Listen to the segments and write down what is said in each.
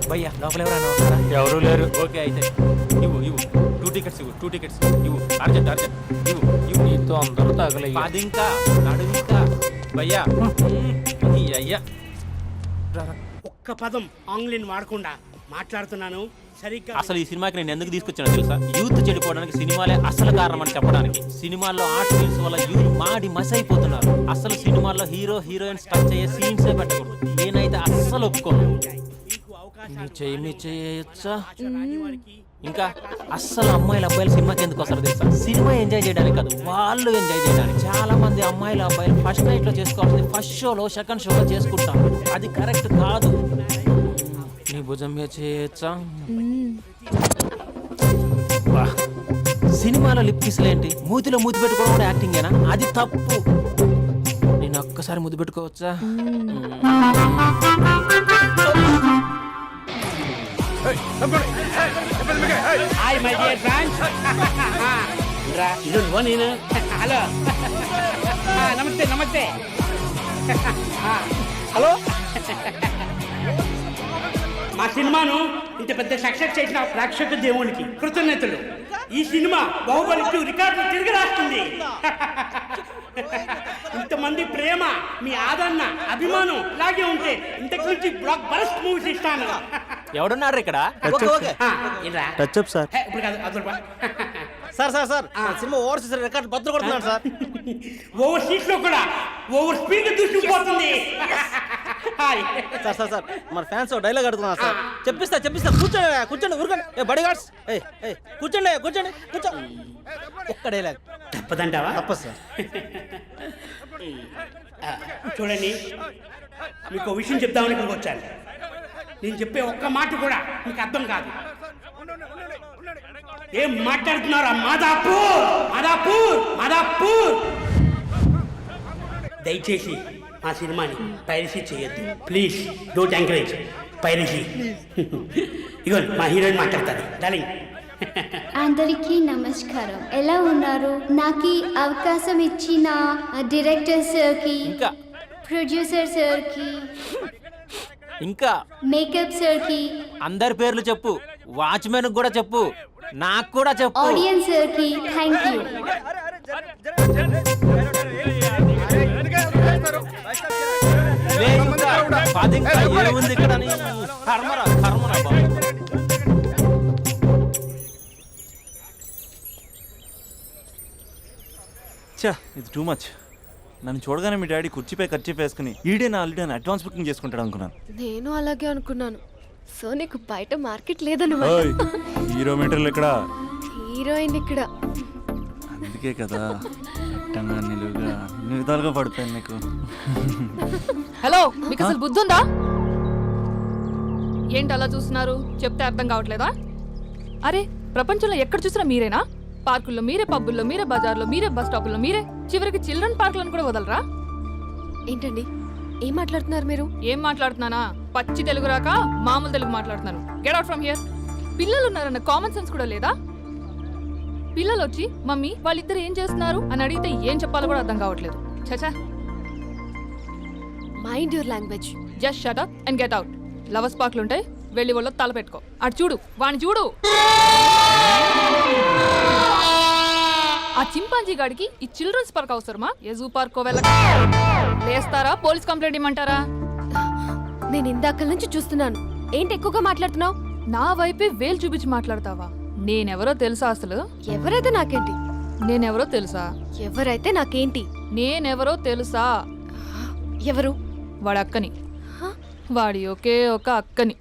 భయ్యా లోపల ఎవరైనా ఉన్నారా? ఎవరూ లేరు. ఓకే అయితే ఇవ్వు 2 టికెట్స్ ఇవ్వు 2 టికెట్స్ ఇవ్వు అర్జెంట్ ఇవ్వు నీతో అందరూ తగలయ్యా. అది ఇంకా నడు ఇంకా భయ్యా ఈ అయ్యా ఒక్క పదం ఆంగ్లీన్ వాడకుండా మాట్లాడుతున్నాను సరిగ్గా. అసలు ఈ సినిమాకి నేను ఎందుకు తీసుకొచ్చానో తెలుసా? యూత్ చెడిపోవడానికి సినిమాలే అసలు కారణం అని చెప్పడానికి. సినిమాల్లో ఆర్ట్ ఫిల్మ్స్ వల్ల యూత్ మాడి మస్ అయిపోతున్నారు. అసలు సినిమాల్లో హీరో హీరోయిన్స్ టచ్ అయ్యే సీన్సే పెట్టకూడదు. నేనైతే అస్సలు ఒప్పుకోను. మీకు అవకాశం మీ చేయొచ్చా? ఇంకా అస్సలు అమ్మాయిలు అబ్బాయిలు సినిమాకి ఎందుకు వస్తారు తెలుసా? సినిమా ఎంజాయ్ చేయడానికి కాదు, వాళ్ళు ఎంజాయ్ చేయడానికి. చాలా మంది అమ్మాయిలు అబ్బాయిలు ఫస్ట్ నైట్ లో చేసుకోవాల్సింది ఫస్ట్ షోలో సెకండ్ షోలో చేసుకుంటాం. అది కరెక్ట్ కాదు. నీ భుజం మీద చేయొచ్చా? సినిమాలో లిప్ కిస్లేంటి? మూతిలో మూతి పెట్టుకోవడం కూడా యాక్టింగేనా? అది తప్పు. నేను ఒక్కసారి ముద్దు పెట్టుకోవచ్చా? Hi my dear friends. ఇది నువ్వు నేను. హలో నమస్తే నమస్తే. హలో. మా సినిమాను ఇంత పెద్ద సక్సెస్ చేసిన ప్రేక్షక దేవునికి కృతజ్ఞతలు. ఈ సినిమా బాహుబలి 2 రికార్డులు తిరిగి రాస్తుంది. ఇంతమంది ప్రేమ, మీ ఆదరణ, అభిమానం ఇలాగే ఉంటే ఇంతకు నుంచి బ్లాక్ బరస్ట్ మూవీస్ ఇస్తాను. ఎవడున్నారు ఇక్కడ? Touch up sir. ఇప్పుడు కాదు అదొక సార్ సార్ సార్ సినిమా ఓవర్సీస్ రికార్డ్ బద్దలు కొడుతున్నాడు సార్. ఓవర్ సీట్స్ లో కూడా ఓవర్ స్పీడ్ దూసుకుపోతుంది. సార్ సార్ సార్ మన ఫ్యాన్స్ డైలాగ్ అడుగుతున్నారు సార్. చెప్పిస్తా కూర్చోండి కూర్చోండి ఊరుకోండి. ఏ బాడీ గార్డ్స్ కూర్చోండి కూర్చో. ఒక్క డైలాగ్ తప్పదంటావా? తప్పదు సార్. చూడండి, మీకు విషయం చెప్దామని ఇక్కడికి వచ్చాను. నేను చెప్పే ఒక్క మాట కూడా మీకు అర్థం కాదు. ఏం మాట్లాడుతున్నారా? మాదాపూర్. దయచేసి మా సినిమాని పైరసీ చేయొద్దు ప్లీజ్. Don't encourage piracy. ఇగో మా హీరోయిన్ మాట్లాడతారు. డార్లింగ్. అందరికీ నమస్కారం. ఎలా ఉన్నారు? నాకు ఈ అవకాశం ఇచ్చిన డైరెక్టర్ సార్కి, ఇంకా ప్రొడ్యూసర్ సార్కి, ఇంకా మేకప్ సార్కి, అందరి పేర్లు చెప్పు. వాచ్మెన్ కూడా చెప్పు, నాకు కూడా చెప్పు. ఆడియన్స్ సార్కి థ్యాంక్ యూ. ఏముంది ఇక్కడ? కర్మరా బాబు. చా ఇది టూ మచ్. నన్ను చూడగానే మీ డాడీ కుర్చీపై ఖర్చు వేసుకుని ఈడే నా ఆల్రెడీ అని అడ్వాన్స్ బుకింగ్ చేసుకుంటాడు అనుకున్నాను. నేను అలాగే అనుకున్నాను. సో నీకు బయట మార్కెట్ లేదన్నమాట. హీరో మీటర్లు ఇక్కడ, హీరోయిన్ ఇక్కడ. అందుకే కదా అట్టంగా నిలువుగా అన్ని విధాలుగా పడిపోయాను నీకు. హలో, మీకు అసలు బుద్ధి ఉందా? ఏంటి అలా చూస్తున్నారు? చెప్తే అర్థం కావట్లేదా? అరే, ప్రపంచంలో ఎక్కడ చూసినా మీరేనా? పార్కుల్లో మీరే, పబ్బుల్లో మీరే, బజార్లో మీరే, బస్ స్టాపుల్లో మీరే, చివరికి చిల్డ్రన్ పార్కులను కూడా వదలరా? ఏంటండి ఏం మాట్లాడుతున్నారు మీరు? ఏం మాట్లాడుతున్నానా? పచ్చి తెలుగు రాక మామూలు తెలుగు మాట్లాడుతున్నాను. Get out from here. పిల్లలు ఉన్నారన్న కామన్ సెన్స్ కూడా లేదా? పిల్లలు వచ్చి మమ్మీ వాళ్ళిద్దరు ఏం చేస్తున్నారు అని అడిగితే ఏం చెప్పాలో కూడా అర్థం కావట్లేదు. చచా. Mind your language. Just shut up and get out. Lovers పార్క్లు ఉంటాయి, వెళ్ళి వాళ్ళ తల పెట్టుకో. అటు చూడు, వాణ్ణి చూడు. ఆ చింపాంజీ గాడికి ఈ చిల్డ్రన్స్ పార్క్ అవసరమా? ఏ జూ పార్కో వెళ్ళక లేస్తారా? పోలీస్ కంప్లైంట్ ఇమ్మంటారా? నేను ఇందాక నుంచి చూస్తున్నాను. ఏంటి ఎక్కువగా మాట్లాడుతున్నావు? నా వైపే వేలు చూపించి మాట్లాడతావా? నేనెవరో తెలుసా? అసలు ఎవరైతే నాకేంటి? నేనెవరో తెలుసా? ఎవరైతే నాకేంటి? నేనెవరో తెలుసా? ఎవరు? వాడి అక్కని. వాడి ఒకే ఒక అక్కని.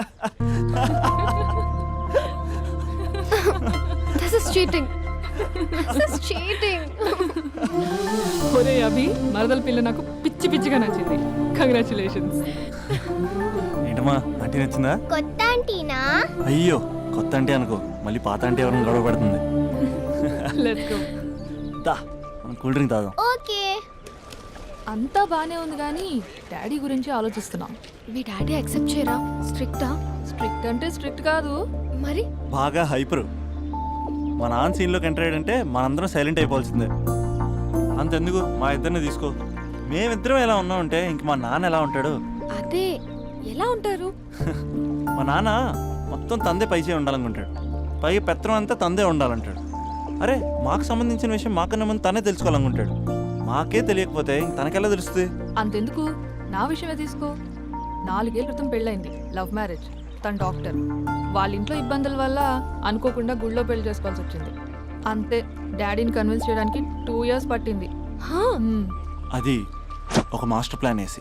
This is cheating. This is cheating. ఒరే అభి, మరదల పిల్ల నాకు పిచ్చి పిచ్చిగా నచ్చింది. కంగ్రాచులేషన్స్. ఏంటమ్మా ఆంటీ నచ్చిందా? కొత్త ఆంటీనా? అయ్యో కొత్త అంటే అనుకో, మళ్ళీ పాత అంటే ఎవరైనా గొడవ పడుతుంది. Let's go. దా మనం కూల్ డ్రింక్ తాదాం. ఓకే. అంతా బానే ఉంది కానీ డాడీ గురించి ఆలోచిస్తున్నాం. మీ డాడీ యాక్సెప్ట్ చేయరా? స్ట్రిక్టా? స్ట్రిక్ట్ అంటే స్ట్రిక్ట్ కాదు మరి. బాగా హైపర్. మా నాన్న సీన్లోకి ఎంటర్ అయ్యాడంటే మనందరం సైలెంట్ అయిపోవాల్సిందే. అంతెందుకు మా ఇద్దరిని తీసుకో. మేమిద్దరం ఎలా ఉన్నామంటే ఇంక మా నాన్న ఎలా ఉంటాడు? అదే ఎలా ఉంటారు? మా నాన్న మొత్తం తందే పైచే ఉండాలనుకుంటాడు, పై పెత్తనం అంతా తందే ఉండాలంటాడు. అరే మాకు సంబంధించిన విషయం మాకన్నా ముందు తనే తెలుసుకోవాలనుకుంటాడు. మాకే తెలియకపోతే తనకెలా తెలుస్తుంది? అంతెందుకు, నా విషయమే తీసుకో. 4 ఏళ్ల క్రితం పెళ్ళైంది, లవ్ మ్యారేజ్. తన డాక్టర్. వాళ్ళ ఇంట్లో ఇబ్బందుల వల్ల అనుకోకుండా గుళ్ళో పెళ్లి చేసుకోవాల్సి వచ్చింది. అంతే, డాడీని కన్విన్స్ చేయడానికి 2 years పట్టింది. మ్మ్. అది ఒక మాస్టర్ ప్లాన్ వేసి.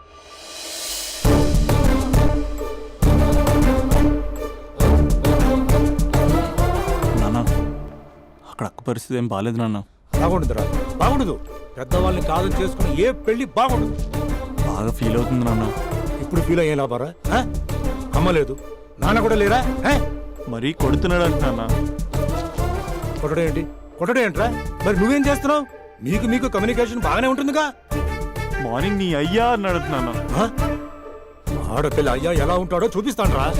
నాన్న అక్కడ అక్క పరిస్థితి ఏం బాగాలేదు నాన్న. బాగుండదురా, బాగుండదు. పెద్దవాళ్ళని కాదని చేసుకుని ఏ పెళ్లి బాగుండదు. బాగా ఫీల్ అవుతుంది నాన్న. ఇప్పుడు ఫీల్ అయ్యే లాభారా? అమ్మ లేదు, నాన్న కూడా లేరా? మరీ కొడుతున్నాడు అంటున్నా. కొట్టడం ఏంటి, కొట్టడం ఏంట్రా? మరి నువ్వేం చేస్తున్నావు? మీకు కమ్యూనికేషన్ బాగానే ఉంటుందిగా. మార్నింగ్ నీ అయ్యా అని అడుగుతున్నాను. ఆడపిల్ల అయ్యా ఎలా ఉంటాడో చూపిస్తాను రా.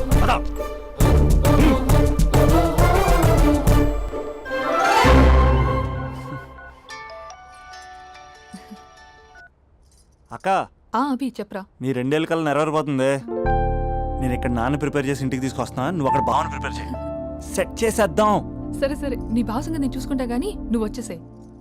అక్క అభి చెప్పరా. నీ 2 ఏళ్ళ కల్లా నెరవేరిపోతుంది. నేను ఇక్కడ నాన్న ప్రిపేర్ చేసి ఇంటికి తీసుకొస్తున్నా, నువ్వు అక్కడ బావని ప్రిపేర్ చేయి. సెట్ చేసేద్దాం. సరే సరే, నీ భాసంగా నేను చూసుకుంటా గానీ నువ్వు వచ్చేసే.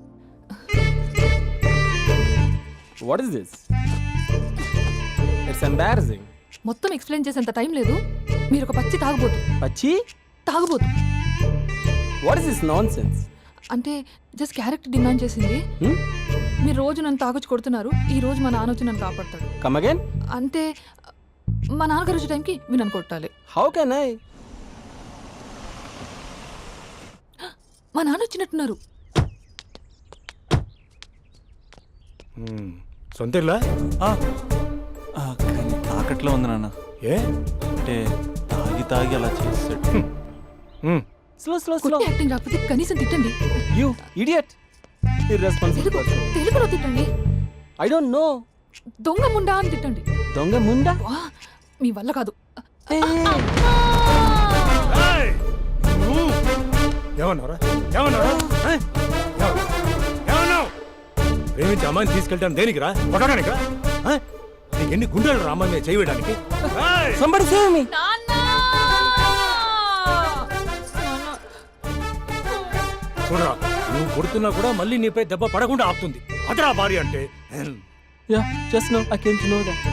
What is this? It's embarrassing. మొత్తం ఎక్స్ప్లెయిన్ చేసేంత టైం లేదు. మీరు ఒక పచ్చి తాగుబోతు. పచ్చి? తాగుబోతు వాట్ ఇస్ దిస్ నాన్సెన్స్? అంటే జస్ట్ క్యారెక్టర్ డిమాండ్ చేసింది. మీరు రోజు నన్ను తాగొచ్చి కొడుతున్నారు, ఈ రోజు మా నాన్న వచ్చి నన్ను కాపాడతాడు. Come again. అంటే మా నాన్నగారు వచ్చే టైంకి మీరు నన్ను కొట్టాలి. How can I? మా నాన్న వచ్చినట్టున్నారు. సొంత ఇల్లా? కానీ తాకట్లో ఉంది నాన్న. ఏ అంటే తాగి తాగి అలా చేస్తాడు. Slow slow slow. కొట్టి యాక్టింగ్ రాకపోతే కనీసం తిట్టండి. You idiot. Irresponsible Telugu person. తెలుగులో తిట్టండి. I don't know. దొంగ ముండా అని తిట్టండి. దొంగ ముండా? వా, మీ వల్ల కాదు. ఏమన్నారా? ఏమన్నారా? ఏమన్నావు? ప్రేమించి అమ్మాయిని తీసుకెళ్ళడానికి దేనికిరా? కొట్టడానికిరా? నీకు ఎన్ని గుండెలు రా అమ్మాయి మీద చేయడానికి? Somebody save me. చూడరా, నువ్వు కొడుతున్నా కూడా మళ్ళీ నీపై దెబ్బ పడకుండా ఆపుతుంది. అదరా భార్య అంటే. Yeah just no I came to know that.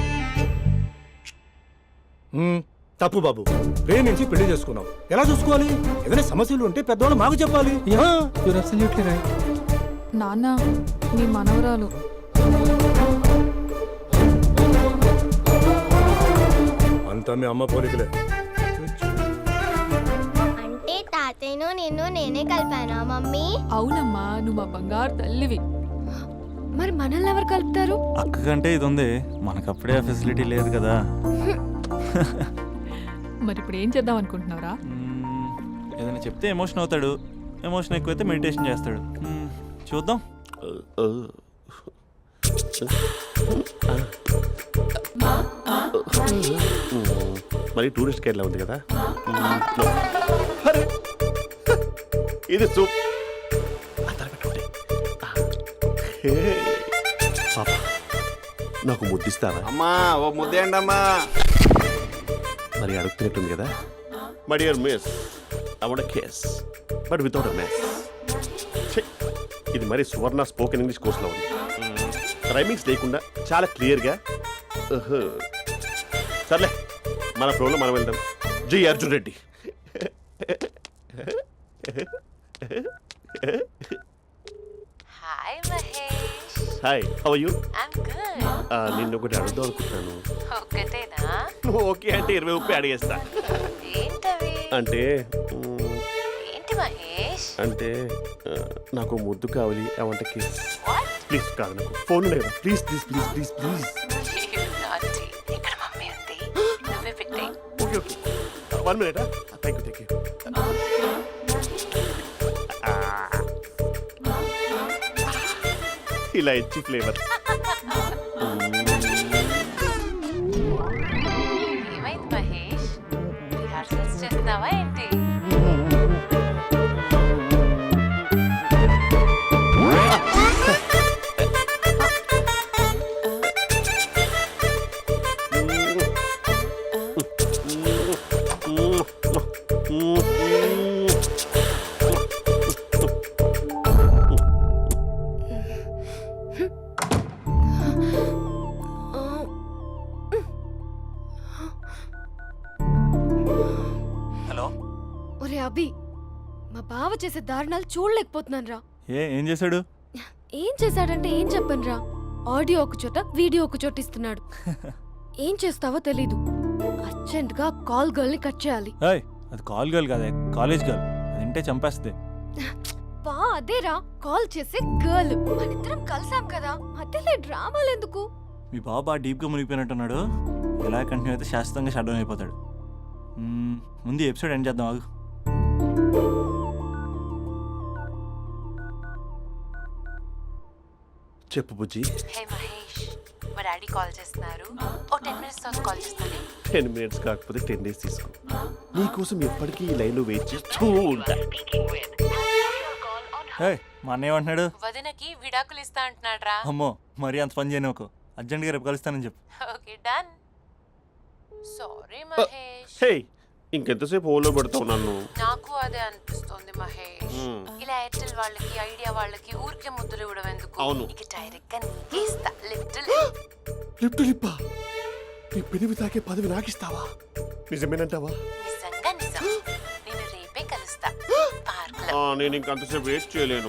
తప్పు బాబు, ప్రేమించి పెళ్లి చేసుకున్నావు. ఎలా చూసుకోవాలి? ఏదైనా సమస్యలు ఉంటే పెద్దవాళ్ళు మాకు చెప్పాలి. You're absolutely right. నాన్న, మీ మనవరాలు. అంతా మీ అమ్మ పోలికలే. అంటే తాతయ్యను నిన్ను నేనే కలిపానా మమ్మీ? అవునమ్మా, నువ్వు మా బంగారు తల్లివి. మరి మనల్ని ఎవరు కలుపుతారు? అక్క కంటే ఇది ఉంది, మనకప్పుడే ఆ ఫెసిలిటీ లేదు కదా. మరి ఇప్పుడు ఏం చేద్దాం అనుకుంటున్నారా? ఏదైనా చెప్తే ఎమోషన్ అవుతాడు, ఎమోషన్ ఎక్కువైతే మెడిటేషన్ చేస్తాడు. చూద్దాం. మరి టూరిస్ట్ గైడ్లా ఉంది కదా. అరే, ఇది సూప్. పాప, నాకు ముద్దిస్తారా? అమ్మా ఓ ముద్దేయండి అమ్మా. మరి అడుగుతున్నట్టుంది కదా. My dear miss, I want kiss but without a mess. ఇది మరి సువర్ణ స్పోకెన్ ఇంగ్లీష్ కోర్సులో ఉంది. రైమింగ్స్ లేకుండా చాలా క్లియర్గా. సర్లే, మన ప్రోలో మనం వెళ్దాం. Jai Arjun Reddy. Hi Mahesh. Hi, how are you? I'm good. నిన్ను ఒకటి అడుగుదాం అనుకుంటున్నాను. ఒక్కటేనా? నువ్వు ఓకే అంటే 20 అడిగేస్తా. ఏంటవి? అంటే ఏంటి మహేష్? అంటే నాకు ముద్దు కావాలి. I want kiss. What? Please కాదు, నాకు ఫోన్ లేదా? Please please please please please. Naughty ఇక్కడ మమ్మీ ఉంది, నువ్వే పెట్టే. Okay okay, 1 minute. Thank you. ఇలా ఇచ్చి ఫ్లేవర్. ఏమైంది మహేష్? రిహార్సల్స్ చేస్తున్నావా ఏంటి? చేసే దారుణాలు చూడలేకపోతున్నాను రా. ఏం చేశాడు? ఏం చేశాడంటే ఏం చెప్పను రా. ఆడియో ఒక చోట వీడియో ఒక చోట ఇస్తున్నాడు. ఏం చేస్తావో తెలీదు. అర్జెంట్ గా కాల్ గర్ల్ ని కట్ చేయాలి. ఏయ్, అది కాల్ గర్ల్ కాదే, కాలేజ్ గర్ల్. అది వింటే చంపేస్తుంది. బా అదేరా కాల్ చేసే గర్ల్. మనిద్దరం కలిసాం కదా, మధ్యలో డ్రామాలు ఎందుకు? మీ బాబు బాగా డీప్గా మునిగిపోయినట్టున్నాడు. ఎలా కంటిన్యూ అయితే శాశ్వతంగా షట్ డౌన్ అయిపోతాడు. ముందు ఎపిసోడ్ ఎండ్ చేద్దాం ఆగు. చెప్పు బుజ్జి. హే మహేష్, మా డాడీ కాల్ చేస్తున్నారు. ఓ 10 minutes తర్వాత కాల్ చేస్తాను. 10 minutes కాకపోతే 10 days తీసుకో. నీకోసం ఎప్పటికీ ఈ లైన్లో వెయిట్ చేస్తూ ఉంటా. ఏయ్, మా అన్నయ్య ఏమంటున్నాడు? వదినకి విడాకులు ఇస్తా అంటున్నాడు రా. అమ్మో, మరీ అంత పని చేయను. ఒక అర్జెంట్గా రేపు కలుస్తానని చెప్పు. Okay done. Sorry Mahesh. Hey, ఇంకెంతసేపు హోల్లో పెడతావు నన్ను? నాకు అదే అనిపిస్తోంది మహేష్. ఇలా ఎయిర్టెల్ వాళ్ళకి ఐడియా వాళ్ళకి ఊరికే ముద్దులు ఇవ్వడం ఎందుకు? అవును. ఇక డైరెక్ట్ గా నీకే ఇస్తా. లిటిల్ లిప్ టు లిప్పా? నీ పెనివి తాకే పదవి నాకిస్తావా? నిజమేనంటావా? నిజంగా నిజం. నేను రేపే కలుస్తా పార్క్ లో. నేను ఇంకంతసేపు వెయిట్ చేయలేను.